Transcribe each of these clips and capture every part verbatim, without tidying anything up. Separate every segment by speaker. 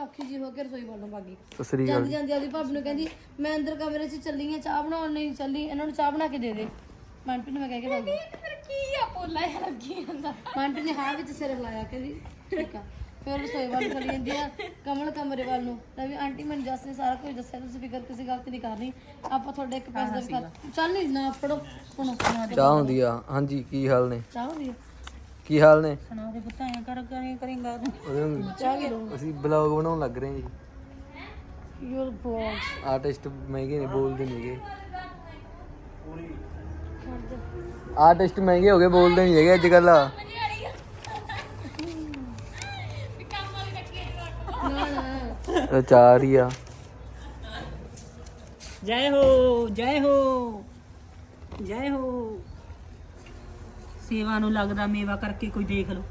Speaker 1: ਔਖੀ ਜੀ ਹੋ ਕੇ ਰਸੋਈ ਵੱਲੋਂ ਭਾਗੀ
Speaker 2: ਸਸਰੀ
Speaker 1: ਜਾਂਦੀ ਜਾਂਦੀ ਆਦੀ ਭਾਬੀ ਨੂੰ ਕਹਿੰਦੀ ਮੈਂ ਅੰਦਰ ਕਮਰੇ 'ਚ ਚੱਲੀ ਆ ਚਾਹ ਬਣਾਉਣ ਨਹੀਂ ਚੱਲੀ ਇਹਨਾਂ ਨੂੰ ਚਾਹ ਬਣਾ ਕੇ ਦੇ ਦੇ ਮੰਟੂ ਨੇ ਮੈਂ ਕਹਿ ਕੇ ਭਾਗੀ
Speaker 3: ਫਿਰ ਕੀ ਆ ਪੋਲਾ ਜਿਹਾ ਲੱਗੀ ਜਾਂਦਾ
Speaker 1: ਮੰਟੂ ਨੇ ਹਾਂ ਵਿੱਚ ਸਿਰ ਹਿਲਾਇਆ ਕਹਿੰਦੀ ਠੀਕ ਆ ਫਿਰ ਰਸੋਈ ਵੱਲ ਚਲੀ ਜਾਂਦੀ ਆ ਕਮਲ ਕਮਰੇ ਵੱਲ ਨੂੰ ਤਾਂ ਵੀ ਆਂਟੀ ਮੈਨੂੰ ਜੱਸ ਨੇ ਸਾਰਾ ਕੁਝ ਦੱਸਿਆ ਤੁਸੀਂ ਫਿਕਰ ਕਿਸੇ ਗੱਲ ਤੇ ਨਹੀਂ ਕਰਨੀ ਆਪਾਂ ਤੁਹਾਡੇ ਇੱਕ ਪੈਸੇ ਦਾ ਵੀ ਕਰ ਚੱਲ ਨਹੀਂ ਨਾ ਫੜੋ ਸੁਣੋ
Speaker 2: ਚਾਹ ਹੁੰਦੀ ਆ ਹਾਂਜੀ ਕੀ ਹਾਲ ਨੇ
Speaker 1: ਚਾਹ ਹੁੰਦੀ ਆ
Speaker 2: ਕੀ ਹਾਲ ਨੇ
Speaker 3: ਸੁਣਾ ਦੇ ਪੁੱਤਾਂ ਐ ਕਰ ਕਰੇ ਕਰੇਗਾ
Speaker 1: ਚਾਹ ਕੀ ਲਓ
Speaker 2: ਅਸੀਂ ਬਲੌਗ ਬਣਾਉਣ ਲੱਗ ਰਹੇ ਹਾਂ ਜੀ
Speaker 1: ਯੂਰ ਬਲੌਗ
Speaker 2: ਆਰਟਿਸਟ ਮਹਿੰਗੇ ਨੇ ਬੋਲਦੇ ਨਹੀਂਗੇ ਆਰਟਿਸਟ ਮਹਿੰਗੇ ਹੋ ਗਏ ਬੋਲਦੇ ਨਹੀਂ ਹੈਗੇ ਅੱਜ ਕੱਲ ਚਾਰ ਹੀ ਆ
Speaker 3: ਜੈ ਹੋ ਜੈ ਹੋ ਜੈ ਹੋ ਸੇਵਾ ਨੂੰ ਲੱਗਦਾ ਮੇਵਾ ਕਰਕੇ ਕੋਈ ਦੇਖ ਲੋ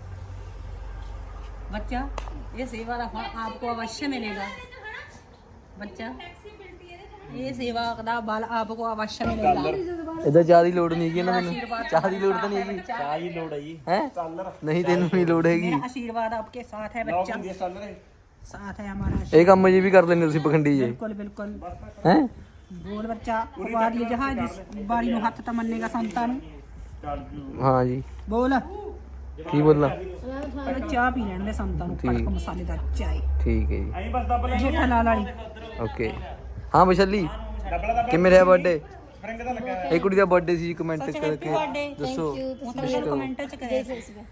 Speaker 3: ਬੱਚਾ ਇਹ ਸੇਵਾ ਦਾ ਫਲ ਆਪਕੋ ਅਵश्य ਮਿਲੇਗਾ ਬੱਚਾ ਇਹ ਸੇਵਾ ਦਾ ਬਲ ਆਪਕੋ ਅਵश्य ਮਿਲੇਗਾ
Speaker 2: ਇਹਦਾ ਚਾਹ ਦੀ ਲੋੜ ਨਹੀਂ ਹੈਗੀ ਨਾ ਮੈਨੂੰ ਚਾਹ ਦੀ ਲੋੜ ਤਾਂ ਨਹੀਂ ਹੈਗੀ
Speaker 4: ਚਾਹ ਦੀ ਲੋੜ ਹੈ ਜੀ
Speaker 2: ਹੈ ਨਹੀਂ ਤੈਨੂੰ ਨਹੀਂ ਲੋੜ ਹੈਗੀ
Speaker 3: मेरा आशीर्वाद आपके साथ है बच्चा साथ है हमारा
Speaker 2: ਇਹ ਕੰਮ ਜੀ ਵੀ ਕਰ ਲੈਂਦੇ ਤੁਸੀਂ ਪਖੰਡੀ ਜੇ
Speaker 3: बिल्कुल बिल्कुल
Speaker 2: ਹੈ
Speaker 3: बोल बच्चा बारी जहां जिस बारी नु हथ तमन्नेगा संतां नु
Speaker 2: ਹਾਂ ਜੀ
Speaker 3: बोल
Speaker 2: ਕੀ ਬੋਲਾਂ
Speaker 3: पहले चाह पी लेने दे संतां नु कड़क मसालेदार चाय
Speaker 2: ਠੀਕ ਹੈ ਜੀ
Speaker 3: जेठा लाल वाली
Speaker 2: ਓਕੇ ਹਾਂ ਵਿਸ਼ਾਲੀ ਕਿਵੇਂ ਰਿਹਾ ਬਰਥਡੇ ਇਹ ਕੁੜੀ ਦਾ ਬਰਥਡੇ ਸੀ ਕਮੈਂਟ ਕਰਕੇ ਦੱਸੋ
Speaker 3: कमेंट च करे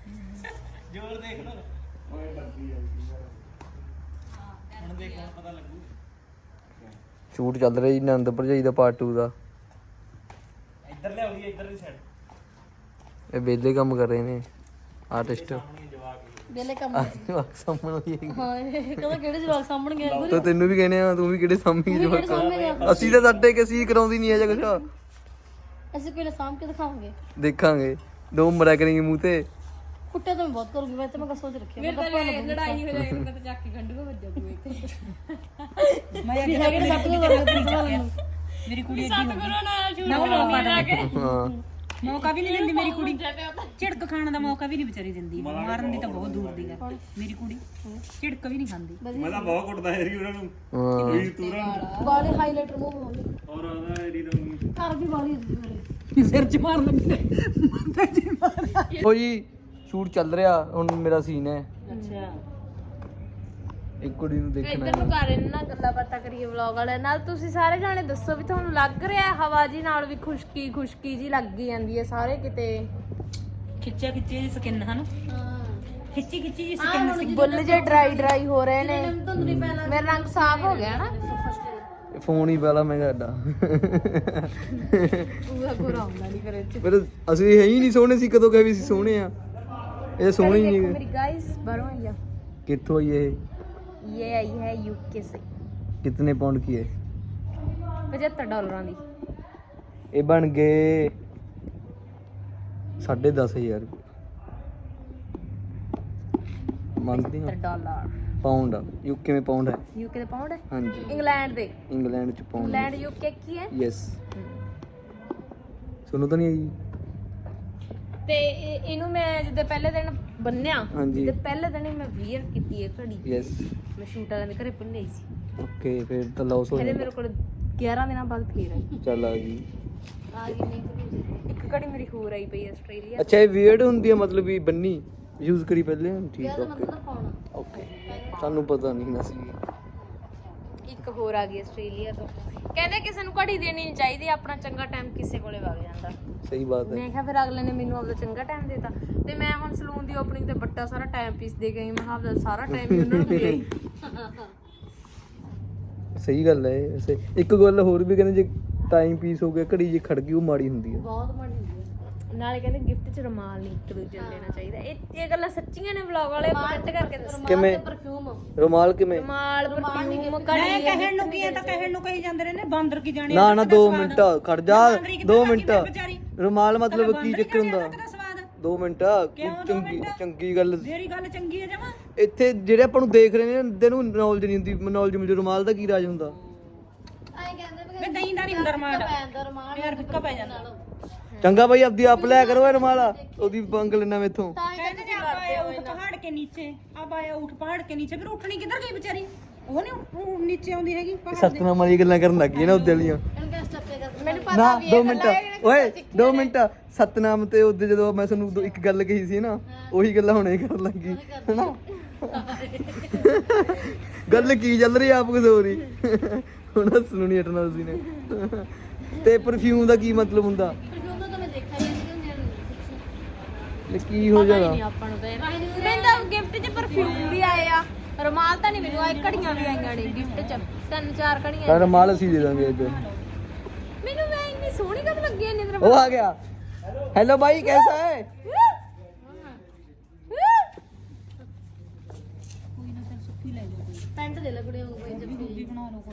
Speaker 2: ਸ਼ੂਟ ਚੱਲ ਰਿਹਾ ਜੀ ਨੰਦ ਭਰਜਾਈ ਦਾ ਪਾਰਟ ਟੂ ਦਾ
Speaker 4: ਇੱਧਰ ਲਿਆਉਦੀ ਇੱਧਰ ਦੀ ਸਾਈਡ
Speaker 2: ਇਹ ਵਿਹਲੇ ਕੰਮ ਕਰ ਰਹੇ ਨੇ ਆਰਟਿਸਟ
Speaker 1: ਵੇਲੇ ਕੰਮ
Speaker 2: ਜਵਾਕ ਸਾਹਮਣੇ ਹੋਈ ਹੈਗੀ।
Speaker 1: ਹਾਂ ਇਹ ਕਹਿੰਦਾ ਕਿਹੜੇ ਜਵਾਕ ਸਾਹਮਣ ਗਿਆ ਗੁਰੂ
Speaker 2: ਤਾਂ ਤੈਨੂੰ ਵੀ ਕਹਿੰਦੇ ਆ ਤੂੰ ਵੀ ਕਿਹੜੇ ਸਾਹਮਣੇ ਜਵਾਕ ਅਸੀਂ ਤਾਂ ਸਾਡੇ ਕਿ ਅਸੀਂ ਕਰਾਉਂਦੀ ਨਹੀਂ ਹੈ ਜਾਂ ਕੁਛ
Speaker 1: ਅਸੀਂ ਕੋਈ ਨਾ ਸਾਂਭ ਕੇ ਦਿਖਾਵਾਂਗੇ
Speaker 2: ਦੇਖਾਂਗੇ ਦੋ ਮਰਿਆ ਕਰਾਂਗੇ ਮੂੰਹ ਤੇ
Speaker 1: ਕੁੱਟੇ ਤਾਂ ਮੈਂ ਬਹੁਤ ਕਰੂੰਗੀ ਮੈਂ ਤਾਂ ਮੈਂ ਸੋਚ ਰੱਖਿਆ ਮੈਂ ਤਾਂ
Speaker 3: लड़ाई हो जाएगी मैं तो जाके गंडू में बज जाऊंगी मैं
Speaker 1: ਵੀ ਹੈਗੇ ਨੇ ਸੱਤ ਕੋ ਕਰ
Speaker 3: मेरी कुड़ी सतगुरु नाल झूठ
Speaker 2: ਹਾਂ
Speaker 3: मौका भी नहीं दिंदी मेरी कुड़ी झिड़क खाने का मौका भी नहीं बेचारी दिंदी मारन दी तो बहुत दूर दी गल मेरी कुड़ी झिड़क भी नहीं खांदी
Speaker 4: ਮੈਂ ਤਾਂ ਬਹੁਤ ਕੁੱਟਦਾ ਏਰੀ ਉਹਨਾਂ ਨੂੰ
Speaker 2: ਹਾਂ
Speaker 4: ਕੋਈ ਤੂਰਾਂ
Speaker 1: ਵਾਲੇ ਹਾਈਲਾਈਟਰ ਮੂਵ ਹੋਣਗੇ
Speaker 4: ਔਰ ਉਹਦਾ ਏਰੀ ਦਾ
Speaker 1: ਘਰ ਵੀ ਵਾਲੀ ਮੇਰੇ
Speaker 3: सिर च मार लगी
Speaker 2: ਉਹ ਜੀ ਸ਼ੂਟ ਚੱਲ ਰਿਹਾ ਹੁਣ ਮੇਰਾ ਸੀਨ ਹੈ
Speaker 3: अच्छा
Speaker 2: ਇੱਕ ਕੁੜੀ ਨੂੰ ਦੇਖਣਾ
Speaker 5: ਇੱਧਰ ਨੂੰ ਕਰ ਇਹਨਾਂ ਨਾਲ ਗੱਲਾਂ ਬਾਤਾਂ ਕਰੀਏ ਵਲੌਗ ਵਾਲੇ ਨਾਲ ਤੁਸੀਂ ਸਾਰੇ ਜਾਣੇ ਦੱਸੋ ਵੀ ਤੁਹਾਨੂੰ ਲੱਗ ਰਿਹਾ ਹੈ ਹਵਾ ਜੀ ਨਾਲ ਵੀ ਖੁਸ਼ਕੀ ਖੁਸ਼ਕੀ ਜੀ ਲੱਗੀ ਜਾਂਦੀ ਹੈ ਸਾਰੇ ਕਿਤੇ
Speaker 3: खिच्चा खिच्ची जी स्किन है ना खिच्ची खिच्ची जी स्किन
Speaker 5: ਬੁੱਲ ਜੇ ਡਰਾਈ ਡਰਾਈ ਹੋ ਰਹੇ ਨੇ ਮੇਰਾ ਰੰਗ ਸਾਫ਼ ਹੋ ਗਿਆ ਨਾ
Speaker 2: ਫੋਨ ਹੀ ਪਹਿਲਾਂ ਮੈਂ ਸਾਡਾ
Speaker 5: ਪੂਰਾ ਪੂਰਾ ਹੁੰਦਾ ਨਹੀਂ ਫਿਰ ਇਹ 'ਚ।
Speaker 2: ਪਰ ਅਸੀਂ ਹੈ ਹੀ ਨਹੀਂ ਸੋਹਣੇ ਸੀ ਕਦੋਂ ਕਹੇ ਵੀ ਅਸੀਂ ਸੋਹਣੇ ਆ ਇਹ ਸੋਹਣੇ ਹੀ ਨਹੀਂ
Speaker 5: मेरी गाइस बारह आइया
Speaker 2: ਕਿੱਥੋਂ ਆਈ ਇਹ
Speaker 5: ये आई है यूके से
Speaker 2: ਕਿਤਨੇ ਪਾਉਂਡ ਕੀ ਹੈ
Speaker 5: पचहत्तर डॉलर ਦੀ
Speaker 2: ਇਹ ਬਣ ਗਏ ਸਾਢੇ ਦਸ ਹਜ਼ਾਰ ਮੰਗਦੀ ਹਾਂ
Speaker 5: पचहत्तर डॉलर
Speaker 2: ਪਾਉਂਡ ਯੂਕੇ में ਪਾਉਂਡ ਹੈ
Speaker 5: यूके ਦੇ ਪਾਉਂਡ ਹੈ
Speaker 2: ਹਾਂਜੀ
Speaker 5: ਇੰਗਲੈਂਡ ਦੇ
Speaker 2: ਇੰਗਲੈਂਡ ਚ ਪਾਉਂਡ
Speaker 5: ਇੰਗਲੈਂਡ यूके ਕੀ ਹੈ
Speaker 2: ਯੈਸ ਸੁਣੋ ਤਾਂ ਨਹੀਂ ਆਈ
Speaker 5: ਤੇ ਇਹ- ਇਹਨੂੰ ਮੈਂ ਜਿੱਦੇ ਪਹਿਲੇ ਦਿਨ ਬੰਨਿਆ
Speaker 2: ਹਾਂਜੀ।
Speaker 5: ਤੇ ਪਹਿਲੇ ਦਿਨ ਹੀ ਮੈਂ ਵੀਅਰ ਕੀਤੀ ਹੈ ਘੜੀ
Speaker 2: ਯੈਸ
Speaker 5: ਮੈਂ ਸ਼ੂਟ ਵਾਲਿਆਂ ਦੇ ਘਰੇ ਭੁੱਲੀ ਸੀ
Speaker 2: ਓਕੇ ਫਿਰ ਤਾਂ ਲਾਸ ਹੋ
Speaker 5: ਫਿਰ ਇਹ
Speaker 2: ਜਾਣਾ
Speaker 5: ਮੇਰੇ ਕੋਲ ਗਿਆਰਾਂ ਦਿਨਾਂ ਬਾਅਦ ਫੇਰ ਆਈ
Speaker 2: ਚੱਲ ਆ ਗਈ
Speaker 5: ਆ ਗਈ ਨਹੀਂ ਇੱਕ ਘੜੀ ਮੇਰੀ ਹੋਰ ਆਈ ਪਈ ਆਸਟ੍ਰੇਲੀਆ
Speaker 2: ਅੱਛਾ ਇਹ ਵੀਅਰਡ ਹੁੰਦੀ ਹੈ ਮਤਲਬ ਵੀ ਬੰਨੀ ਯੂਜ਼ ਕਰੀ ਪਹਿਲੇ ਠੀਕ ਓਕੇ ਓਕੇ ਸਾਨੂੰ ਪਤਾ ਨਹੀਂ ਨਾ ਸੀ
Speaker 5: ਇੱਕ ਹੋਰ ਆ ਗਈ ਆਸਟ੍ਰੇਲੀਆ ਤੋਂ ਕਹਿੰਦੇ ਕਿਸੇ ਨੂੰ ਘੜੀ ਦੇਣੀ ਨਹੀਂ ਚਾਹੀਦੀ ਆਪਣਾ ਚੰਗਾ ਟਾਈਮ ਕਿਸੇ ਕੋਲੇ ਵਗ ਜਾਂਦਾ
Speaker 2: ਸਹੀ ਬਾਤ ਹੈ
Speaker 5: ਮੈਂ ਕਿਹਾ ਫਿਰ ਅਗਲੇ ਨੇ ਮੈਨੂੰ ਆਪਦਾ ਚੰਗਾ ਟਾਈਮ ਦੇਤਾ ਤੇ ਮੈਂ ਹੁਣ ਸਲੂਨ ਦੀ ਓਪਨਿੰਗ ਤੇ ਵੱਡਾ ਸਾਰਾ ਟਾਈਮ ਪੀਸ ਦੇ ਗਈ ਮੈਂ ਕਿਹਾ ਆਪਦਾ ਸਾਰਾ ਟਾਈਮ ਹੀ ਉਹਨਾਂ ਨੂੰ ਦੇ ਗਈ
Speaker 2: ਸਹੀ ਗੱਲ ਹੈ ਵੈਸੇ ਇੱਕ ਗੱਲ ਹੋਰ ਵੀ ਕਹਿੰਦੇ ਜੇ ਟਾਈਮ ਪੀਸ ਹੋ ਗਿਆ ਘੜੀ ਜੇ ਖੜ ਗਈ ਉਹ ਮਾੜੀ ਹੁੰਦੀ ਹੈ
Speaker 1: ਬਹੁਤ ਮਾੜੀ ਹੁੰਦੀ ਹੈ
Speaker 5: ਨਾਲੇ ਕਹਿੰਦੇ ਗਿਫਟ ਚ ਰੁਮਾਲ ਨਹੀਂ ਇੱਕ ਦੂਜੇ ਨੂੰ ਦੇਣਾ ਚਾਹੀਦਾ ਇਹ ਇਹ ਗੱਲਾਂ ਸੱਚੀਆਂ ਨੇ ਵਲੌਗ ਵਾਲੇ ਕਮੈਂਟ ਕਰਕੇ ਦੱਸੋ
Speaker 2: ਕਿਵੇਂ
Speaker 1: ਪਰਫਿਊਮ
Speaker 2: ਰੁਮਾਲ ਕਿਵੇਂ
Speaker 5: ਰੁਮਾਲ ਪਰਫਿਊਮ
Speaker 3: मैं
Speaker 5: ਘੜੀ
Speaker 3: कहण नु की है तो कहण नु कही जांदे ने बांदर की जाने
Speaker 2: ਨਾ ਨਾ ਦੋ ਮਿੰਟ ਖੜ ਜਾ ਦੋ ਮਿੰਟ
Speaker 3: बेचारी
Speaker 2: ਰੁਮਾਲ ਮਤਲਬ ਕੀ ਚੱਕਰ ਹੁੰਦਾ
Speaker 3: ਦਾ ਸਵਾਦ
Speaker 2: ਦੋ ਮਿੰਟ ਚੰਗੀ ਚੰਗੀ ਗੱਲ
Speaker 3: ਮੇਰੀ ਗੱਲ ਚੰਗੀ ਹੈ ਜਮਾ
Speaker 2: ਇੱਥੇ ਜਿਹੜੇ ਆਪਾਂ ਨੂੰ ਦੇਖ ਰਹੇ ਨੇ ਇਹਦੇ ਨੂੰ ਨੌਲੇਜ ਨਹੀਂ ਹੁੰਦੀ ਨੌਲੇਜ ਮਿਲ ਰੁਮਾਲ ਦਾ ਕੀ ਰਾਜ ਹੁੰਦਾ
Speaker 1: ਆਏ ਕਹਿੰਦੇ
Speaker 3: ਮੈਂ ਦਹੀਂ ਦਾ ਨਹੀਂ ਹੁੰਦਾ ਰਮਾਨ
Speaker 1: ਪੈਂਦਾ ਰਮਾਨ
Speaker 3: ਯਾਰ ਫਿੱਕਾ ਪੈ ਜਾਂਦਾ
Speaker 2: ਚੰਗਾ ਭਾਈ ਆਪਦੀ ਆਪ ਲੈ ਕਰੋ ਇਹ ਰੁਮਾਲ ਉਹਦੀ ਪੰਗ ਲੈਣਾ ਮੇਥੋਂ
Speaker 1: ਤਾਂ ਹੀ
Speaker 3: कहते थे आप आए ऊँट पहाड़ के नीचे अब आया ऊँट पहाड़ के नीचे फिर उठनी किधर गई बेचारी ਉਹ ਨਹੀਂ ਉਹ ਨੀਚੇ ਆਉਂਦੀ ਹੈਗੀ
Speaker 2: ਇਹ ਸਤਨਾਮ ਵਾਲੀ ਗੱਲਾਂ ਕਰਨ ਲੱਗ ਗਈ ਨਾ ਉਹਦੇ ਵਾਲੀਆਂ
Speaker 1: ਇਹਨੂੰ ਕਿਹਾ ਸਟੱਪੇ ਕਰ
Speaker 5: ਮੈਨੂੰ
Speaker 2: ਨਾ
Speaker 5: ਪਤਾ ਵੀ
Speaker 2: ਦੋ
Speaker 5: ਇਹ
Speaker 2: ਮਿੰਟ
Speaker 5: ਗੱਲਾਂ ਇਹ
Speaker 2: ਓਏ ਦੋ ਮਿੰਟ ਸਤਨਾਮ ਤੇ ਉਹਦੇ ਜਦੋਂ ਮੈਂ ਤੁਹਾਨੂੰ ਦੋ- ਇੱਕ ਗੱਲ ਕਹੀ ਸੀ ਨਾ ਉਹੀ ਗੱਲਾਂ ਹੁਣੇ ਕਰਨ ਲੱਗੀ ਹੈਨਾ ਗੱਲ ਕੀ ਚੱਲ ਰਹੀ ਆਪ ਕੁਝ ਹੋ ਰਹੀ ਹੁਣ ਹੱਸਣੋਂ ਨਹੀਂ ਹਟਣਾ ਤੁਸੀਂ ਨੇ ਤੇ ਪਰਫਿਊਮ ਦਾ ਕੀ ਮਤਲਬ ਹੁੰਦਾ
Speaker 1: ਪਰਫਿਊਮ ਤਾਂ ਮੈਂ ਦੇਖਿਆ ਹੀ ਨਹੀਂ ਕਿ
Speaker 2: ਇਹ ਕੀ ਹੋ ਜਾਣਾ
Speaker 5: ਨਹੀਂ ਆਪਾਂ ਨੂੰ ਤਾਂ ਇਹ- ਮੈਨੂੰ ਤਾਂ ਗਿਫਟ 'ਚ ਪਰਫਿਊਮ ਵੀ ਆਏ ਆ ਰੁਮਾਲ ਤਾਂ ਨਹੀਂ ਮੈਨੂੰ ਆਏ ਘੜੀਆਂ ਵੀ ਆਈਆਂ ਨੇ ਗਿਫਟ 'ਚ ਤਿੰਨ ਚਾਰ ਘੜੀਆਂ
Speaker 2: ਪਰ ਮਾਲ ਅਸੀਂ ਦੇ ਦਾਂਗੇ ਅੱਜ
Speaker 5: ਮੈਨੂੰ ਮੈਂ ਇੰਨੀ ਸੋਹਣੀ ਕਦ ਲੱਗੀ ਇੰਨੀ ਤਰ੍ਹਾਂ
Speaker 2: ਉਹ ਆ ਗਿਆ हेलो भाई कैसा है
Speaker 1: ਪੈਂਟ ਦੇ ਲੈ ਕੁੜੀਆਂ ਨੂੰ ਕੋਈ ਜੱਫੀ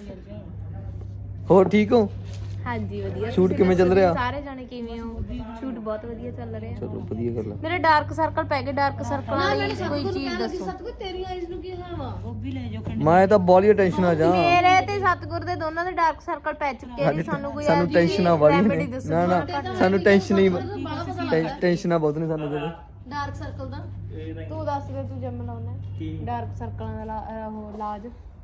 Speaker 2: ਹੋਰ ਠੀਕ ਹੋ
Speaker 5: ਹਾਂਜੀ ਵਧੀਆ
Speaker 2: ਸ਼ੂਟ
Speaker 5: ਤੁਸੀਂ
Speaker 2: ਕਿਵੇਂ ਚੱਲ
Speaker 5: ਦੱਸੋ
Speaker 2: ਰਿਹਾ?
Speaker 5: ਸਾਰੇ ਜਾਣੇ ਕਿਵੇਂ ਹੋ ਸ਼ੂਟ ਬਹੁਤ ਵਧੀਆ ਚੱਲ ਰਿਹਾ
Speaker 2: ਚਲੋ ਵਧੀਆ ਗੱਲ ਆ
Speaker 5: ਮੇਰੇ ਡਾਰਕ ਸਰਕਲ ਪੈ ਗਏ ਡਾਰਕ ਸਰਕਲ ਵਾਲੀ ਕੋਈ ਚੀਜ਼ ਦੱਸੋ
Speaker 1: ਸਤਗੁਰ ਤੇਰੀ ਆਈਜ਼ ਨੂੰ ਕੀ ਹੋਇਆ ਵਾ
Speaker 3: ਗੋਭੀ ਲੈ ਜਾਓ
Speaker 2: ਮੈਂ ਤਾਂ ਬੋਲੀ ਟੈਨਸ਼ਨ ਆ ਜਾ
Speaker 5: ਮੇਰੇ ਤੇ ਸਤਗੁਰ ਦੇ ਦੋਨਾਂ ਦੇ ਡਾਰਕ ਸਰਕਲ ਪੈ ਚੁੱਕੇ ਨੇ ਸਾਨੂੰ ਕੋਈ
Speaker 2: ਸਾਨੂੰ ਟੈਨਸ਼ਨਾਂ ਵਾਲੀ
Speaker 5: remedy
Speaker 2: ਨੇ
Speaker 5: ਦੱਸੋ
Speaker 2: ਨਾ ਨਾ ਸਾਨੂੰ ਟੈਨਸ਼ਨ ਹੀ ਟੈਨਸ਼ਨਾਂ ਬਹੁਤ ਨੇ ਸਾਨੂੰ ਤੇ
Speaker 1: ਡਾਰਕ ਸਰਕਲ ਦਾ
Speaker 5: ਤੂੰ ਦੱਸ ਦੇ ਤੂੰ ਜਿਮ ਲਾਉਣਾ ਡਾਰਕ ਸਰਕਲਾਂ ਦਾ ਲਾ- ਅਹ ਉਹ ਇਲਾਜ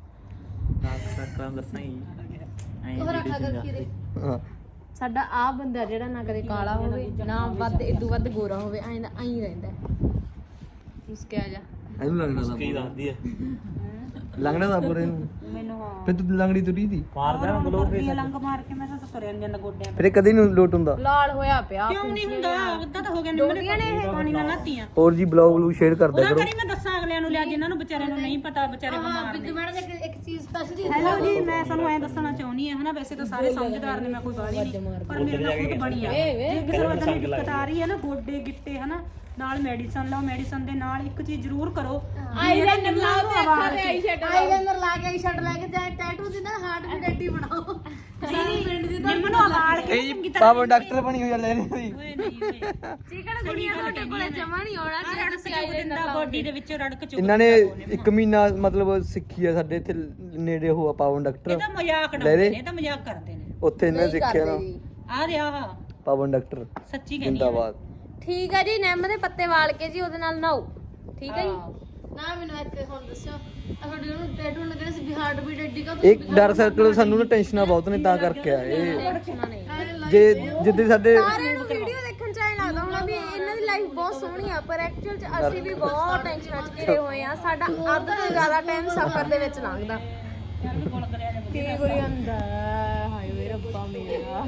Speaker 1: ਉਹ ਰੱਖਾ ਕਰ ਕੀ ਦੇ
Speaker 2: ਹਾਂ
Speaker 5: ਸਾਡਾ ਆ ਬੰਦਾ ਜਿਹੜਾ ਨਾ ਕਦੇ ਕਾਲਾ ਹੋਵੇ ਨਾ ਵੱਧ ਇਦੋਂ ਵੱਧ ਗੋਰਾ ਹੋਵੇ ਐਂ ਦਾ ਐਂ ਰਹਿੰਦਾ ਮੁਸਕਿਆ ਜਾ
Speaker 2: ਇਹਨੂੰ ਲੱਗਣਾ ਤਾਂ
Speaker 4: ਕੀ ਦੱਸਦੀ ਹੈ
Speaker 2: ਲੱਗਣਾ ਤਾਂ ਪੂਰੇ ਨੂੰ
Speaker 3: ਮੈਨੂੰ ਹਾਂ
Speaker 2: ਫਿਰ ਤੂੰ ਲੰਗੜੀ ਤੁਰੀ ਦੀ
Speaker 4: ਮਾਰਦਾ ਨਾ ਗਲੋ
Speaker 3: ਇਹ ਲੰਗ ਮਾਰ ਕੇ ਮੈਂ ਤਾਂ ਤੁਰਿਆ ਨੀ ਜਾਂਦਾ ਗੋਡਿਆਂ
Speaker 2: ਫਿਰ ਇਹ ਕਦੇ ਨੂੰ ਲੋਟ ਹੁੰਦਾ
Speaker 5: ਲਾਲ ਹੋਇਆ ਪਿਆ
Speaker 3: ਕਿਉਂ ਨਹੀਂ ਹੁੰਦਾ ਅੱਧਾ ਤਾਂ ਹੋ ਗਿਆ ਨਿੰਮਣੇ ਨੇ ਇਹ ਪਾਣੀ ਨਾਲ ਨਾਤੀਆਂ
Speaker 2: ਹੋਰ ਜੀ ਬਲੌਗ ਬਲੂ ਸ਼ੇਅਰ ਕਰ ਦਿਆ
Speaker 3: ਉਹਦਾ
Speaker 2: ਕਰੋ
Speaker 3: ਕਰੀ ਮੈਂ ਦੱਸਾਂ ਅਗਲਿਆਂ ਨੂੰ ਲਿਆ ਜਿਨ੍ਹਾਂ ਨੂੰ ਵਿਚਾਰਿਆਂ ਨੂੰ ਨਹੀਂ ਪਤਾ ਵਿਚਾਰੇ ਬਿਮਾਰ ਨੇ
Speaker 1: ਬਿੱਜੂ ਮੈਡਮ ਇੱਕ ਇੱਕ ਚੀਜ਼ ਸਪੈਸ਼ਲ ਚੀਜ਼
Speaker 3: ਹੈਲੋ ਜੀ ਮੈਂ ਤੁਹਾਨੂੰ ਐਂ ਦੱਸਣਾ ਚਾਹੁੰਦੀ ਹਾਂ ਹਨਾ ਵੈਸੇ ਤਾਂ ਸਾਰੇ ਸਮਝਦਾਰ ਨੇ ਮੈਂ ਕੋਈ ਬਾਲੀ ਨਹੀਂ ਪਰ ਮੇਰੇ ਨਾਲ ਖੁਦ ਬਣੀ ਆ ਜੇ ਕਿਸੇ ਨੂੰ ਇਦਾਂ ਦੀ ਦਿੱਕਤ ਆ ਰਹੀ ਹੈ ਨਾ ਗੋਡੇ ਗਿੱਟੇ ਹਨਾ ਨਾਲ ਮੈਡੀਸਨ ਲਓ ਮੈਡੀਸਨ ਦੇ ਨਾਲ ਇੱਕ ਚੀਜ਼ ਜ਼ਰੂਰ ਕਰੋ
Speaker 5: ਆਈਲਾਈਨਰ ਲਾਓ ਤੇ ਅੱਖਾਂ ਤੇ ਆਈ ਸ਼ੈਡ
Speaker 1: ਆਈਲਾਈਨਰ ਲਾ ਕੇ ਆਈ ਸ਼ਰਟ ਲੈ ਕੇ ਜਾਏ ਟੈਟੂ ਦੀ ਨਾ ਹਾਰਟ ਵੀ ਡੈਡੀ ਬਣਾਓ ਸਾਰੀ ਪਿੰਡ ਦੀ
Speaker 3: ਨਿੰਮ ਨੂੰ ਅਵਾਲ ਕੇ ਚੰਗੀ ਤਰ੍ਹਾਂ
Speaker 2: ਪਾਪਾ ਡਾਕਟਰ ਬਣੀ ਹੋਈ ਆ ਲੈ ਰਹੀ ਸੀ
Speaker 3: ਓਏ ਨਹੀਂ ਓਏ
Speaker 5: ਚਿਕਨ ਕੁੜੀਆਂ ਤੁਹਾਡੇ ਕੋਲੇ ਜਮਾ ਨਹੀਂ ਆਉਣਾ ਜੇ ਤੁਸੀਂ ਆਈਲਾਈਨਰ
Speaker 3: ਦਾ ਬੋਡੀ ਦੇ ਵਿੱਚੋਂ ਰੜਕ ਚੁੱਕ
Speaker 2: ਇਹਨਾਂ ਨੇ ਇੱਕ ਮਹੀਨਾ ਮਤਲਬ ਸਿੱਖੀ ਆ ਸਾਡੇ ਇੱਥੇ ਨੇੜੇ ਉਹ ਆ ਪਾਵਨ ਡਾਕਟਰ
Speaker 3: ਇਹਦਾ ਮਜ਼ਾਕ ਡਾਉਂਦੇ ਨੇ ਇਹ ਤਾਂ ਮਜ਼ਾਕ ਕਰਦੇ ਨੇ
Speaker 2: ਉੱਥੇ ਇਹਨੇ ਸਿੱਖਿਆ ਨਾ
Speaker 3: ਆ ਰਿਹਾ ਵਾ
Speaker 2: ਪਾਵਨ ਡਾਕਟਰ
Speaker 3: ਸੱਚੀ ਕਹਿੰਦੀ
Speaker 2: ਜਿੰਦਾਬਾਦ
Speaker 5: ਠੀਕ ਹੈ ਜੀ ਨਿੰਮ ਦੇ ਪੱਤੇ ਵਾਲ ਕੇ ਜੀ ਉਹਦੇ ਨਾਲ ਨਹਾਓ ਠੀਕ ਹੈ ਜੀ
Speaker 1: ਨਾ ਮੈਨੂੰ ਇੱਕ ਹੁਣ ਦੱਸਿਓ ਆ ਤੁਹਾਡੇ ਨੂੰ ਟੈਟੂ ਲੱਗਣੇ ਸੀ ਵੀ ਹਾਰਟ ਵੀ ਡੈਡੀ ਕਾ
Speaker 2: ਇੱਕ ਡਰ ਸਰਕਲ ਸਾਨੂੰ ਨਾ ਟੈਨਸ਼ਨਾਂ ਬਹੁਤ ਨੇ ਤਾਂ ਕਰਕੇ ਆ ਇਹ
Speaker 5: ਟੈਨਸ਼ਨਾਂ ਨਹੀਂ
Speaker 2: ਜੇ ਜਿੱਦੇ ਸਾਡੇ
Speaker 5: ਸਾਰਿਆਂ ਨੂੰ ਵੀਡੀਓ ਦੇਖਣ ਚ ਐਂ ਲੱਗਦਾ ਹੋਣਾ ਵੀ ਇਹਨਾਂ ਦੀ ਲਾਈਫ ਬਹੁਤ ਸੋਹਣੀ ਆ ਪਰ ਐਕਚੁਅਲ ਚ ਅਸੀਂ ਵੀ ਬਹੁਤ ਟੈਨਸ਼ਨਾਂ ਚ ਘਿਰੇ ਹੋਏ ਆ ਸਾਡਾ ਅੱਧ ਤੋਂ ਜ਼ਿਆਦਾ ਟਾਈਮ ਸਫ਼ਰ ਦੇ ਵਿੱਚ ਲੰਘਦਾ ਕੀ ਕਰੀ ਜਾਂਦਾ ਹਾਏ ਵੇ ਰੱਬਾ ਮੇਰਾ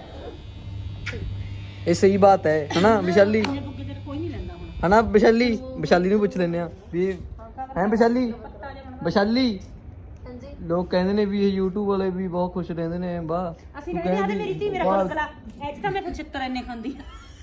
Speaker 2: ਇਹ ਸਹੀ ਬਾਤ ਹੈ ਹਨਾ ਵਿਸ਼ਾਲੀ
Speaker 3: ਕੋਈ ਨਹੀਂ ਲੈਂਦਾ ਹੁਣ
Speaker 2: ਹਨਾ ਵਿਸ਼ਾਲੀ ਵਿਸ਼ਾਲੀ ਨੂੰ ਪੁੱਛ ਲੈਂਦੇ ਆ ਵੀ ਹੈ ਵਿਸ਼ਾਲੀ ਵਿਸ਼ਾਲੀ
Speaker 1: ਹਾਂਜੀ
Speaker 2: ਲੋਕ ਕਹਿੰਦੇ ਨੇ ਵੀ ਇਹ YouTube ਵਾਲੇ ਵੀ ਬਹੁਤ ਖੁਸ਼ ਰਹਿੰਦੇ ਨੇ ਵਾਹ
Speaker 3: ਅਸੀਂ ਕਹਿੰਦੇ ਆ ਮੇਰੀ ਧੀ ਮੇਰਾ ਕੋਸਲਾ ਐਚ ਤਾਂ ਮੈਂ ਕੁਛ ਚਿੱਤਰ ਇੰਨੇ ਖਾਂਦੀ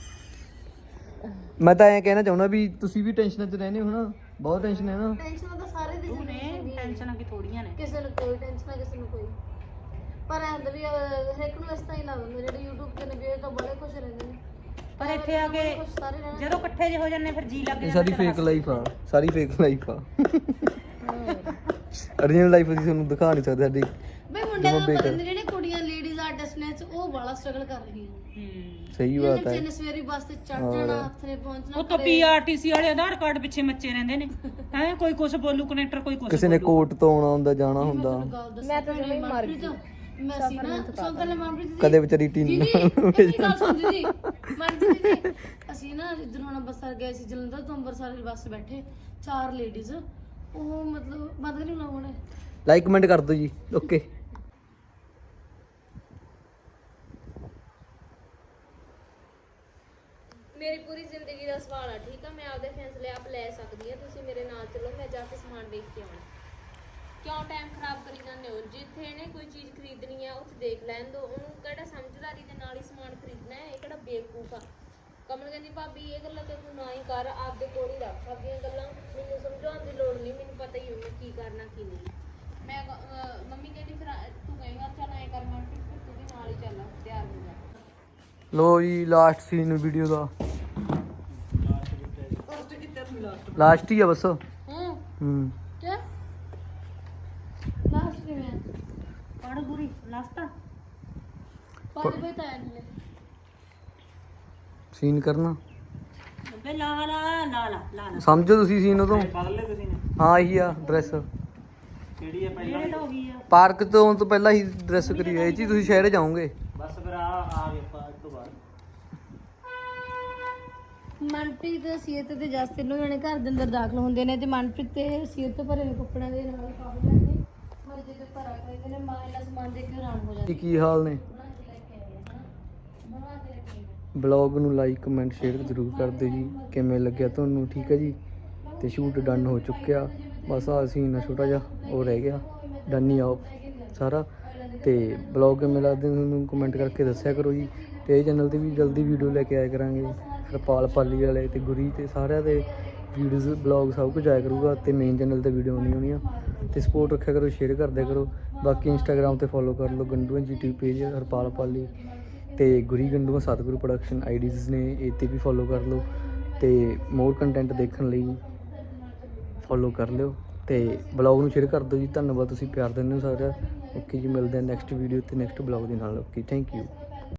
Speaker 2: ਮੈਂ ਤਾਂ ਐਂ ਕਹਿਣਾ ਚਾਹੁੰਦਾ ਵੀ ਤੁਸੀਂ ਵੀ ਟੈਨਸ਼ਨਾਂ 'ਚ ਰਹਿੰਦੇ ਹੋ ਨਾ ਬਹੁਤ ਟੈਨਸ਼ਨ ਹੈ ਨਾ
Speaker 1: ਟੈਨਸ਼ਨ ਤਾਂ ਸਾਰੇ ਦੀ ਜ਼ਿੰਦਗੀ ਚ
Speaker 3: ਟੈਨਸ਼ਨਾਂ ਕੀ ਥੋੜੀਆਂ ਨੇ
Speaker 1: ਕਿਸੇ ਨੂੰ ਕੋਈ ਟੈਨਸ਼ਨ ਹੈ ਕਿਸੇ ਨੂੰ ਕੋਈ ਪਰ ਐਂ ਹੁੰਦਾ ਵੀ ਅਹ, ਹਰੇਕ ਨੂੰ ਇਸ ਤਰ੍ਹਾਂ ਹੀ ਲੱਗਦਾ ਜਿਹੜੇ YouTube ਤੇ ਨੇ ਵੀ ਇਹ ਤਾਂ ਬੜੇ ਖੁਸ਼ ਰਹਿੰਦੇ ਨੇ
Speaker 3: ਪਰ ਇੱਥੇ ਆ ਕੇ
Speaker 1: ਖੁਸ਼ ਸਾਰੇ ਰਹਿਣਾ
Speaker 3: ਜਦੋਂ ਇਕੱਠੇ ਜੇ ਹੋ ਜਾਂਦੇ ਫਿਰ ਜੀ ਲੱਗ
Speaker 2: ਇਹ ਸਾਰੀ ਫੇਕ ਲਾਈਫ ਆ ਸਾਰੀ ਫੇਕ ਲਾਈਫ ਆ ਅਰੀਜਨਲ ਲਾਈਫ ਅਸੀਂ ਤੁਹਾਨੂੰ ਦਿਖਾ ਨਹੀਂ ਸਕਦੇ ਸਾਡੀ
Speaker 1: ਬਈ ਮੁੰਡੇ ਦਾ ਪਤਾ ਨਹੀਂ ਜਿਹੜੇ ਕੁੜੀਆਂ ਲੇਡੀਜ਼ ਆਰਟਿਸਟ ਨੇ ਉਹ ਬੜਾ ਸਟਰਗਲ ਕਰ ਰਹੀਆਂ ਨੇ
Speaker 2: ਸਹੀ ਬਾਤ ਹੈ
Speaker 1: ਬੱਚੇ ਨੇ ਸਵੇਰੀ ਬੱਸ ਤੇ ਚੜ ਜਾਣਾ ਹੱਥਰੇ ਪਹੁੰਚਣਾ
Speaker 3: ਉਹ ਤਾਂ ਪੀਆਰਟੀਸੀ ਵਾਲੇ ਆਧਾਰ ਕਾਰਡ ਪਿੱਛੇ ਮੱਚੇ ਰਹਿੰਦੇ ਨੇ ਹੈ ਕੋਈ ਕੁਛ ਬੋਲੂ ਕਨੈਕਟਰ ਕੋਈ ਕੁਛ
Speaker 2: ਕਿਸੇ ਨੇ ਕੋਰਟ ਤੋਂ ਆਉਣਾ ਹੁੰਦਾ ਜਾਣਾ ਹੁੰਦਾ
Speaker 1: ਗੱਲ ਦੱਸ
Speaker 5: ਮੈਂ ਤਾਂ ਜਮੇ ਹੀ ਮਰ ਗਈ
Speaker 1: ਮੈਂ ਸੀ ਨਾ ਸੁਣ ਪਹਿਲਾਂ ਮਨਪ੍ਰੀਤ ਜੀ
Speaker 2: ਕਦੇ ਵਿਚਾਰੀ ਟੀਨ
Speaker 1: ਦੀਦੀ ਇੱਕ ਗੱਲ ਸੁਣ ਦੀਦੀ ਮਨਪ੍ਰੀਤ ਜੀ ਅਸੀਂ ਨਾ ਜਿੱਦਣ ਹੁਣ ਅੰਮ੍ਰਿਤਸਰ ਗਏ ਸੀ ਜਲੰਧਰ ਤੋਂ ਅੰਮ੍ਰਿਤਸਰ ਦੀ ਬੱਸ ਬੈਠੇ ਚਾਰ ਲੇਡੀਜ਼ ਉਹ ਮਤਲਬ ਬੰਦ ਨਹੀਂ ਲਾਉਣੇ
Speaker 2: ਲਾਈਕ ਕਮੈਂਟ ਕਰ ਦਿਓ ਜੀ ਓਕੇ
Speaker 5: ਮੇਰੀ ਪੂਰੀ ਜ਼ਿੰਦਗੀ ਦਾ ਸਵਾਲ ਆ ਠੀਕ ਆ ਮੈਂ ਆਪਦੇ ਫੈਸਲੇ ਆਪ ਲੈ ਸਕਦੀ ਆ ਤੁਸੀਂ ਮੇਰੇ ਨਾਲ ਚੱਲੋ ਮੈਂ ਜਾ ਕੇ ਸਮਾਨ ਦੇਖ ਕੇ ਆਉਣਾ ਕਿਉਂ ਟਾਈਮ ਖਰਾਬ ਕਰੀ ਜਾਂਦੇ ਹੋ ਜਿੱਥੇ ਇਹਨੇ ਕੋਈ ਚੀਜ਼ ਖਰੀਦਣੀ ਆ ਉੱਥੇ ਦੇਖ ਲੈਣ ਦੋ ਉਹਨੂੰ ਕਿਹੜਾ ਸਮਝਦਾਰੀ ਦੇ ਨਾਲ ਹੀ ਸਮਾਨ ਖਰੀਦਣਾ ਹੈ ਇਹ ਕਿਹੜਾ ਬੇਵਕੂਫ ਆ ਕਮਲ ਕਹਿੰਦੀ ਭਾਬੀ ਇਹ ਗੱਲਾਂ ਤੇ ਤੂੰ ਨਾ ਹੀ ਕਰ ਆਪਦੇ ਕੋਲ ਹੀ ਰੱਖ ਆਪਦੀਆਂ ਗੱਲਾਂ ਮੈਨੂੰ ਸਮਝਾਉਣ ਦੀ ਲੋੜ ਨਹੀਂ ਮੈਨੂੰ ਪਤਾ ਹੀ ਹੈ ਮੈਂ ਕੀ ਕਰਨਾ ਕੀ ਨਹੀਂ ਮੈਂ ਕ- ਅਹ ਮੰਮੀ ਕਹਿੰਦੀ ਫਿਰ ਆ- ਤੂੰ ਕਹੇਗਾ ਚੱਲ ਐਂ ਕਰ ਮਨਪ੍ਰੀਤ ਫਿਰ ਤੂੰ ਵੀ ਨਾਲ ਹੀ ਚੱਲ ਤਿਆਰ ਹੋ ਜਾ
Speaker 2: ਲੋ ਜੀ ਲਾਸਟ ਸੀਨ ਵੀਡੀਓ ਦਾ ਲਾਸਟ ਹੀ ਆ ਬਸ
Speaker 1: ਹੂੰ
Speaker 2: ਹੂੰ
Speaker 1: ਕੀ ਲਾਸਟ ਕਿਵੇਂ
Speaker 3: ਪੜ ਗੁਰੀ ਲਾਸਟਾ
Speaker 1: ਪਾਣੀ ਬਈ ਤਾਂ ਨਹੀਂ
Speaker 2: ਸੀਨ ਕਰਨਾ
Speaker 3: ਬੇ ਲਾ ਲਾ ਲਾ ਲਾ ਲਾ ਲਾ
Speaker 2: ਸਮਝੋ ਤੁਸੀਂ ਸੀਨ ਉਦੋਂ
Speaker 4: ਬਦਲ ਲੈ ਤੁਸੀਂ ਨੇ
Speaker 2: ਹਾਂ ਇਹੀ ਆ ਡਰੈਸ
Speaker 4: ਕਿਹੜੀ ਹੈ ਪਹਿਲਾਂ
Speaker 3: ਜਿਹੜੇ ਤਾਂ ਹੋ ਗਈ ਆ
Speaker 2: ਪਾਰਕ ਤੋਂ ਤੋਂ ਪਹਿਲਾਂ ਹੀ ਡਰੈਸ ਕਰੀ ਇਹ ਜੀ ਤੁਸੀਂ ਸ਼ਹਿਰ ਜਾਓਗੇ
Speaker 4: ਬਸ ਫਿਰ ਆ ਆ ਗਏ ਆਪਾਂ ਇਸ ਤੋਂ ਬਾਅਦ
Speaker 1: ਮਨਪ੍ਰੀਤ ਸੀਰਤ ਤੇ ਜਸ ਤਿੰਨੋਂ ਜਣੇ ਘਰ ਦੇ ਅੰਦਰ ਦਾਖਲ ਹੁੰਦੇ ਨੇ ਤੇ ਮਨਪ੍ਰੀਤ ਤੇ ਸੀਰਤ ਭਰੇ ਹੋਏ ਕੱਪੜਿਆਂ ਦੇ ਨਾਲ ਕਾਫੀ ਜਾਂਦੇ ਪਰ ਜਦੋਂ ਘਰ ਆ ਕੇ ਨੇ ਮਾਂ ਇਹਨਾਂ ਸਮਾਨ ਦੇਖ ਕੇ ਹੈਰਾਨ ਹੋ ਜਾਂਦੇ
Speaker 2: ਕੀ ਕੀ ਹਾਲ ਨੇ ਬਲੌਗ ਨੂੰ ਲਾਈਕ ਕਮੈਂਟ ਸ਼ੇਅਰ ਜ਼ਰੂਰ ਕਰ ਦਿਓ ਜੀ ਕਿਵੇਂ ਲੱਗਿਆ ਤੁਹਾਨੂੰ ਠੀਕ ਹੈ ਜੀ ਤੇ ਸ਼ੂਟ ਡਨ ਹੋ ਚੁੱਕਿਆ ਬਸ ਆ ਸੀਨ ਆ ਛੋਟਾ ਜਿਹਾ ਉਹ ਰਹਿ ਗਿਆ ਡਨ ਹੀ ਆ ਸਾਰਾ ਤੇ ਬਲੌਗ ਕਿਵੇਂ ਲੱਗਦੇ ਤੁਹਾਨੂੰ ਕਮੈਂਟ ਕਰਕੇ ਦੱਸਿਆ ਕਰੋ ਜੀ ਤੇ ਇਹ ਚੈਨਲ ਤੇ ਵੀ ਜਲਦੀ ਵੀਡੀਓ ਲੈ ਕੇ ਆਇਆ ਕਰਾਂਗੇ ਹਰਪਾਲ ਪਾਲੀ ਵਾਲੇ ਤੇ ਗੁਰੀ ਤੇ ਸਾਰਿਆਂ ਦੇ ਵੀਡੀਓਜ਼ ਬਲੌਗ ਸਭ ਕੁਝ ਆਇਆ ਕਰੂਗਾ ਤੇ ਮੇਨ ਚੈਨਲ ਤੇ ਵੀਡੀਓ ਆਉਣੀ ਹੋਣੀ ਆ ਤੇ ਸਪੋਰਟ ਰੱਖਿਆ ਕਰੋ ਸ਼ੇਅਰ ਕਰਦਿਆ ਕਰੋ ਬਾਕੀ ਇੰਸਟਾਗ੍ਰਾਮ ਤੇ ਫੋਲੋ ਕਰ ਲਓ ਗੰਡੂਆਂ ਜੀ ਟੀ ਪੇਜ ਹਰਪਾਲ ਪਾਲੀ ਤੇ ਗੁਰੀ ਗੰਡੂਆਂ ਸਤਿਗੁਰੂ ਪ੍ਰੋਡਕਸ਼ਨ ਆਈਡੀਜ਼ ਨੇ ਇਹ 'ਤੇ ਵੀ ਫੋਲੋ ਕਰ ਲਓ ਤੇ ਮੋਰ ਕੰਟੈਂਟ ਦੇਖਣ ਲਈ ਫੋਲੋ ਕਰ ਲਿਓ ਤੇ ਬਲੌਗ ਨੂੰ ਸ਼ੇਅਰ ਕਰ ਦਿਓ ਜੀ ਧੰਨਵਾਦ ਤੁਸੀਂ ਪਿਆਰ ਦਿੰਦੇ ਹੋ ਸਾਰਿਆਂ ਓਕੇ ਜੀ ਮਿਲਦੇ ਹਾਂ ਨੈਕਸਟ ਵੀਡੀਓ ਤੇ ਨੈਕਸਟ ਬਲੌਗ ਦੇ ਨਾਲ ਓਕੇ ਥੈਂਕ ਯੂ